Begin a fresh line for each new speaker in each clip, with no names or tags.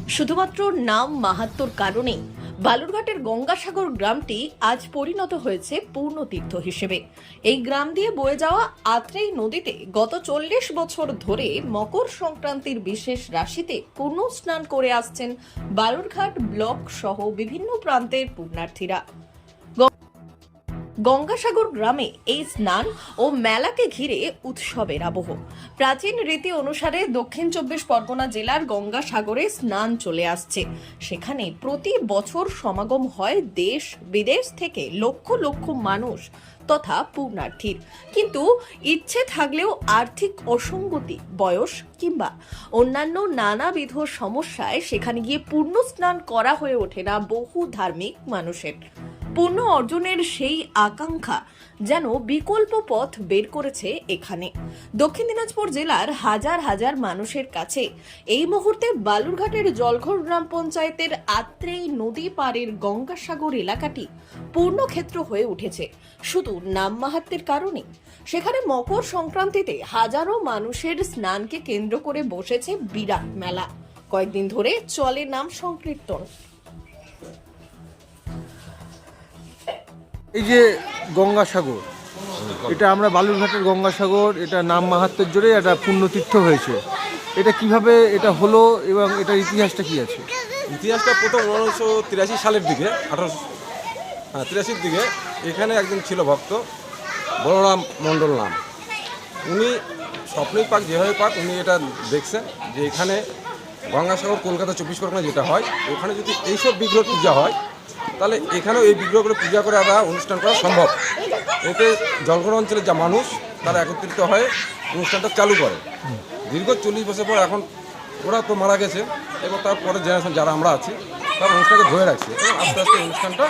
শুধুমাত্র নাম মাহাত্ম্যর কারণে বালুরঘাটের গঙ্গাসাগর গ্রামটি আজ পরিণত হয়েছে পূর্ণতীর্থ হিসেবে। এই গ্রাম দিয়ে বয়ে যাওয়া আত্রেই নদীতে গত 40 বছর ধরে মকর সংক্রান্তির বিশেষ রাশিতে পূর্ণ স্নান করে আসছেন বালুরঘাট ব্লক সহ বিভিন্ন প্রান্তের পুণ্যার্থীরা। গঙ্গাসাগর গ্রামে এই স্নান ও মেলাকে ঘিরে উৎসবের আবহ। প্রাচীন রীতি অনুসারে দক্ষিণ 24 পরগনা জেলার গঙ্গাসাগরে স্নান চলে আসছে। সেখানে প্রতি বছর সমাগম হয় দেশ বিদেশ থেকে লক্ষ লক্ষ মানুষ তথা পুণ্যার্থীর। কিন্তু ইচ্ছে থাকলেও আর্থিক অসঙ্গতি, বয়স কিংবা অন্যান্য নানাবিধ সমস্যায় সেখানে গিয়ে পূর্ণ স্নান করা হয়ে ওঠে না বহু ধার্মিক মানুষের। পুণ্য অর্জনের সেই আকাঙ্ক্ষা যেন বিকল্প পথ বের করেছে এখানে। দক্ষিণ দিনাজপুর জেলার হাজার হাজার মানুষের কাছে এই মুহূর্তে বালুরঘাটের জলঘর গ্রাম পঞ্চায়েতের আত্রেই নদী পাড়ের গঙ্গাসাগর এলাকাটি পূর্ণক্ষেত্র হয়ে উঠেছে শুধু নাম মাহাত্ম্যের কারণে। সেখানে মকর সংক্রান্তিতে হাজারো মানুষের স্নানকে কেন্দ্র করে বসেছে বিরাট মেলা। কয়েকদিন ধরে চলে নাম সংকীর্তন।
এই যে গঙ্গাসাগর, এটা আমরা বালুরঘাটের গঙ্গাসাগর, এটা নাম মাহাত্ম্যের জোরে একটা পুণ্যতীর্থ হয়েছে। এটা কিভাবে এটা হলো এবং এটার ইতিহাসটা কি আছে?
ইতিহাসটা প্রথম 1983 সালের দিকে, 1883 দিকে এখানে একজন ছিল ভক্ত, বলরাম মণ্ডল নাম। উনি স্বপ্নেই পাক যেভাবে পাক উনি এটা দেখছেন যে এখানে গঙ্গাসাগর কলকাতা 24 পরগনা যেটা হয়, ওখানে যদি এইসব বিগ্রহ পূজা হয় তাহলে এখানেও এই বিগ্রহগুলো পূজা করে আবার অনুষ্ঠান করা সম্ভব। এতে জলঘর অঞ্চলের যা মানুষ তারা একত্রিত হয়ে অনুষ্ঠানটা চালু করে। দীর্ঘ 40 বছর পর এখন ওরা তো মারা গেছে, এবং তারপরে জেনারেশন যারা আমরা আছি তারা অনুষ্ঠানকে ধরে রাখছে এবং আস্তে আস্তে অনুষ্ঠানটা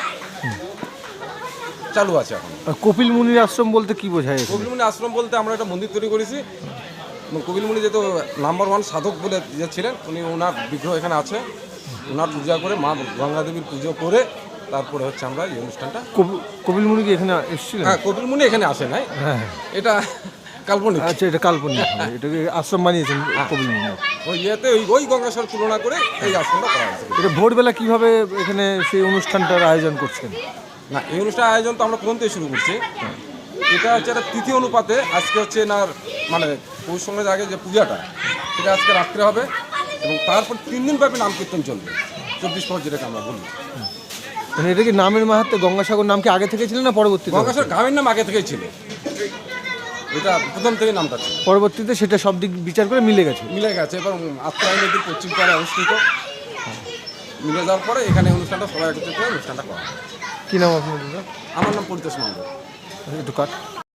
চালু আছে এখন।
কপিল মুনির আশ্রম বলতে কি বোঝায়?
কপিল মুনি আশ্রম বলতে আমরা একটা মন্দির তৈরি করেছি। কপিল মুনি যেহেতু নাম্বার 1 সাধক বলে যে ছিলেন, উনি ওনার বিগ্রহ এখানে আছে, ওনার পূজা করে মা গঙ্গা দেবীর পুজো করে তারপরে হচ্ছে আমরা এই অনুষ্ঠানটা।
কপিল মুনি কি এখানে এসেছিলেন?
হ্যাঁ, কপিল মুনি এখানে আসে নাই, এটা কাল্পনিক।
আচ্ছা, এটা কাল্পনিক, এটাকে আশ্রম বানিয়েছেন কপিল মুনি।
ওই ইয়েতে ওই গঙ্গাসাগর তুলনা করে এই আশ্রমটা করা হয়েছে।
এটা ভোরবেলা কিভাবে এখানে সেই অনুষ্ঠানটার আয়োজন করছেন?
না, এই অনুষ্ঠানের আয়োজন তো আমরা প্রথম থেকে শুরু করছি। এটা হচ্ছে একটা তিথি অনুপাতে, আজকে হচ্ছে না মানে পৌষ সংক্রান্তির আগে যে পূজাটা সেটা আজকে রাত্রে হবে এবং তারপর 3 দিন ব্যাপী নাম কীর্তন চলবে 24 পর, যেটাকে আমরা বলি।
মানে এটা কি নামের মাহাত্ম্যে গঙ্গাসাগর নাম কি আগে থেকে ছিল না পরবর্তীতে?
গঙ্গাসাগর গ্রামের নাম আগে থেকেই ছিল, এটা প্রথম থেকে নামটা ছিল।
পরবর্তীতে সেটা সব দিক বিচার করে মিলে গেছে এবং
আত্রাই নদীর পশ্চিম পাড়ে অনুষ্ঠিত মিলে যাওয়ার পরে এখানে অনুষ্ঠানটা সবাই একত্রিত হয়ে অনুষ্ঠানটা করা।
কি নাম আপনার?
আমার নাম পরিতোষ মণ্ডল।
একটু কাট।